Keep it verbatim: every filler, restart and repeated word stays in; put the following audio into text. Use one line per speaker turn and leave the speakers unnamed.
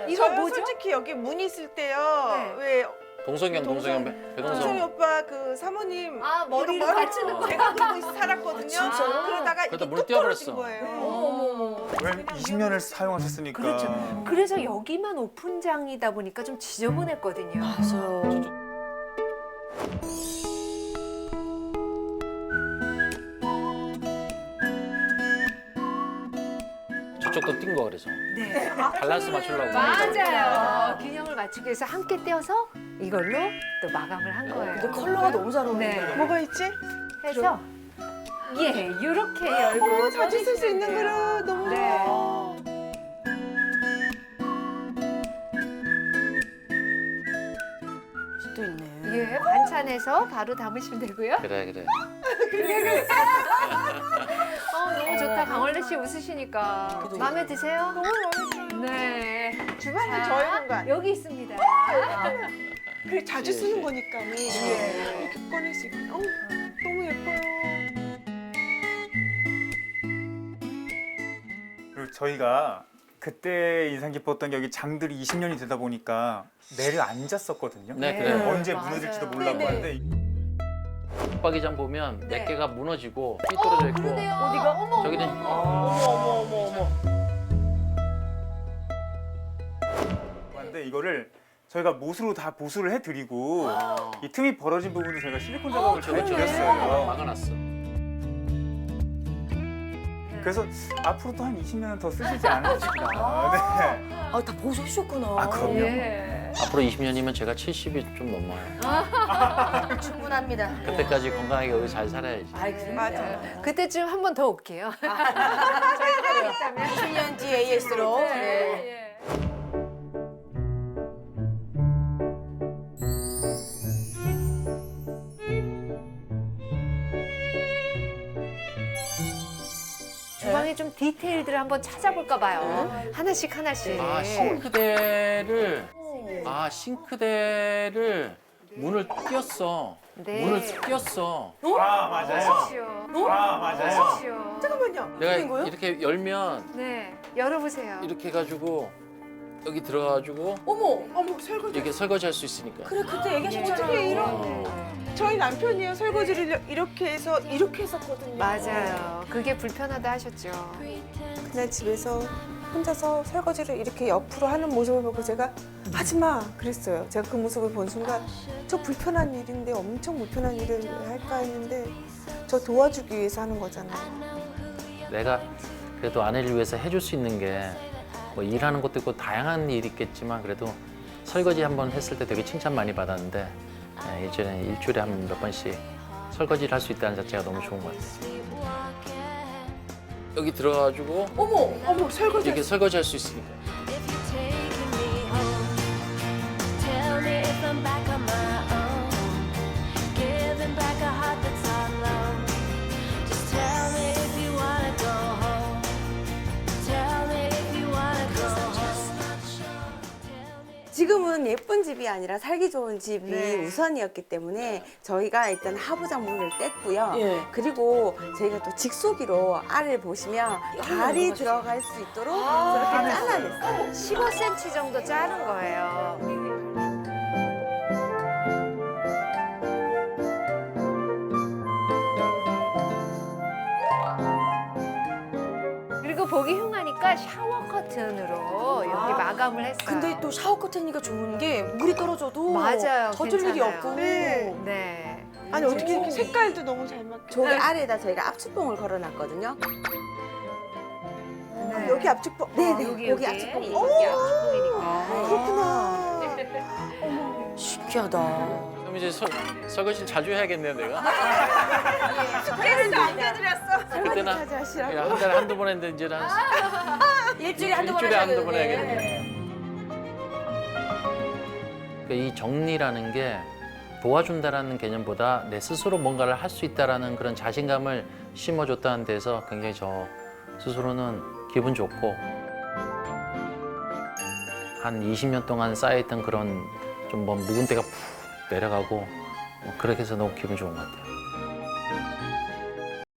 이거
저요
뭐죠?
솔직히 여기 문 있을 때요.
네.
왜
동성형, 동성형,
동성이
배동성.
오빠 그 사모님
아, 머리를
이거 머리-
받치는 거.
제가 그러고 살았거든요.
진짜요?
그러다가
그러다
이게
물에
뚝 떨어진
뛰어버렸어.
거예요.
어머머머.
왜 이십 년을 사용하셨으니까.
그렇죠. 그래서 여기만 오픈장이다 보니까 좀 지저분했거든요.
맞아요.
저쪽도 뛴 거 그래서.
네.
밸런스 맞추려고.
맞아요. 균형을 맞추기 위해서 함께 떼어서 이걸로 또 마감을 한 거예요.
근데 컬러가 너무 잘 어울린다.
네.
뭐가 있지?
해서 예, 이렇게 열고
어머, 자주 쓸 수 있는
꺼내시면 돼요.
그릇 너무
네.
좋아.
또 있네.
예, 반찬해서 바로 담으시면 되고요.
그래, 그래.
어, 너무 좋다. 강원래 씨 웃으시니까. 마음에 드세요?
너무 마음에 들어요.
네.
주방은
자,
저의 공간.
여기 있습니다.
그 자주
예,
쓰는
예.
거니까 이렇게 꺼낼 수 있고. 어, 너무 예뻐요.
그리고 저희가 그때 인상 깊었던 게 여기 장들이 이십 년이 되다 보니까 내려앉았었거든요.
네,
네.
그래요.
언제
맞아요.
무너질지도 몰라고
네네.
하는데
붙박이장 보면
네.
몇 개가 무너지고 삐뚤어져 있고.
그러네요. 어디가? 어머,
저기는
어머,
어머 어머 어머 어머.
근데 이거를 저희가 못으로 다 보수를 해드리고
아.
이 틈이 벌어진 부분도 저희가 실리콘 작업을 잘
그렇죠.
드렸어요.
막아놨어.
그래서 앞으로 또 한 이십 년은 더 쓰시지 않으실까. 네.
아, 다 보수해주셨구나.
아, 그럼요.
예.
앞으로 이십 년이면 제가 칠십이 좀 넘어요.
충분합니다.
그때까지 건강하게 여기 잘 살아야지.
아이, 그럼요.
맞아요.
그때쯤 한 번 더 올게요. 저희가 있다면.
칠 년 뒤 에이에스로. 네.
예. 주방에 좀 디테일들을 한번 찾아볼까 봐요. 하나씩 하나씩.
아, 싱크대를, 아, 싱크대를 문을 띄었어.
네.
문을 띄었어.
아, 맞아요.
보십시오.
아, 맞아요.
보십시오.
잠깐만요.
내가 이렇게 열면
네, 열어보세요.
이렇게 해가지고 여기 들어가가지고
어머,
어머 설거지.
이렇게 설거지 할 수 있으니까.
그래, 그때 얘기하셨잖아요.
어떻게 이런- 저희 남편이요 설거지를 이렇게 해서 이렇게 했었거든요.
맞아요. 그게 불편하다 하셨죠.
그날 집에서 혼자서 설거지를 이렇게 옆으로 하는 모습을 보고 제가 하지 마 그랬어요. 제가 그 모습을 본 순간 저 불편한 일인데 엄청 불편한 일을 할까 했는데 저 도와주기 위해서 하는 거잖아요.
내가 그래도 아내를 위해서 해줄 수 있는 게 뭐 일하는 것도 있고 다양한 일이 있겠지만 그래도 설거지 한 번 했을 때 되게 칭찬 많이 받았는데 예, 예전에 일주일에 한 몇 번씩 설거지를 할 수 있다는 자체가 너무 좋은 것 같아요. 여기 들어가가지고
어머,
어머 설거지.
이렇게 설거지 할 수 있으니까.
If you're taking me home, tell me if I'm back on my own. Giving back a heart that's all alone. Just tell me if you wanna go home. Tell me if you wanna go home.
지금은 예쁜 집이 아니라 살기 좋은 집이
네.
우선이었기 때문에 저희가 일단 하부장 문을 뗐고요.
예.
그리고 저희가 또 직수기로 알을 보시면 발이 들어갈 수 있도록 그렇게 잘라냈어요.
십오 센티미터 정도 자른 거예요. 그리고 보기 흉하니까 샤워 커튼으로 여기 마감을 했어요.
근데 또 샤워 커튼이니까 좋은 게 물이 떨어져도
맞아요.
젖을 일이
괜찮아요.
없고.
네.
네.
아니 어떻게 이렇게 색깔도 너무 잘 맞게.
저기 알에다 저희가 압축봉을 걸어놨거든요.
네.
여기 앞쪽도.
네네,
여기
여기
여기
압축봉.
여기 압축봉이니까.
그렇구나.
신기하다.
그럼 이제 설, 설거지 자주 해야겠네요, 내가.
숙제를 안 해드렸어.
그때는
설거지까지 하시라고.
그냥 한 달에 한두 번 했는데 이제는 한
일주일에 한두 번
일주일에
하셔야
한두 번
되는데.
해야겠네. 그러니까 이 정리라는 게 도와준다라는 개념보다 내 스스로 뭔가를 할 수 있다라는 그런 자신감을 심어줬다는 데서 굉장히 저 스스로는 기분 좋고 한 이십 년 동안 쌓여있던 그런 좀 뭐 묵은 때가 푹 내려가고 뭐 그렇게 해서 너무 기분 좋은 것 같아요.